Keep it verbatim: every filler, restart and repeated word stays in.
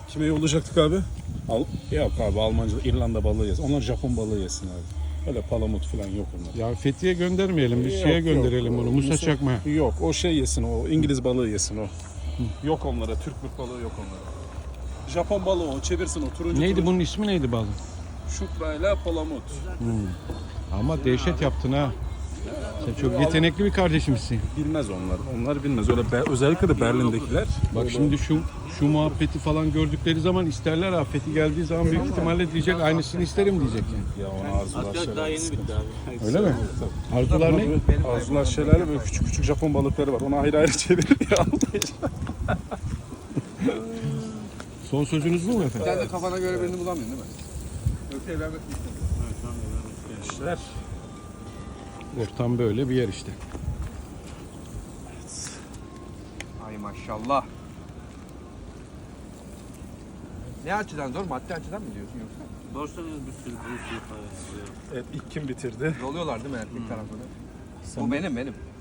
Kime yollayacaktık abi? Al yok abi, Almanca, İrlanda balığı yesin. Onlar Japon balığı yesin abi. Öyle palamut falan yok onlar. Ya Fethiye göndermeyelim. Biz Yok, şeye yok. gönderelim bunu. Musa Musa- Çakma. Yok, o şey yesin, o İngiliz balığı yesin o. Yok onlara, Türk bir balığı yok onlara. Japon balığı o, çevirsin o turuncu Neydi turuncu. bunun ismi neydi balım? Şukrayla palamut. Ama dehşet yaptın ha. Sen çok yetenekli bir kardeşimizsin. Bilmez onlar. Onlar bilmez. Öyle be- özellikle de Berlin'dekiler. Bak şimdi şu şu muhabbeti falan gördükleri zaman isterler ha. Fethi geldiği zaman büyük ihtimalle diyecek aynısını isterim diyecek yani. Ya onu arzular Hatta daha yeni bitti abi. Öyle mi? Arzular ne? Arzular şelale, böyle küçük küçük Japon balıkları var. Onu ayrı ayrı çevirir ya. Son sözünüz bu mu efendim? Sen de kafana göre birini bulamıyorsun değil mi? Yoksa evlenmek mi istiyorsun? Gençler. Ortam böyle bir yer işte. Ay maşallah. Ne açıdan zor? Maddi açıdan mı diyorsun yoksa? Borsanız bir sürü bir sürü parası. Evet, ilk kim bitirdi? Yolluyorlar değil mi erkek tarafını? Bu benim benim.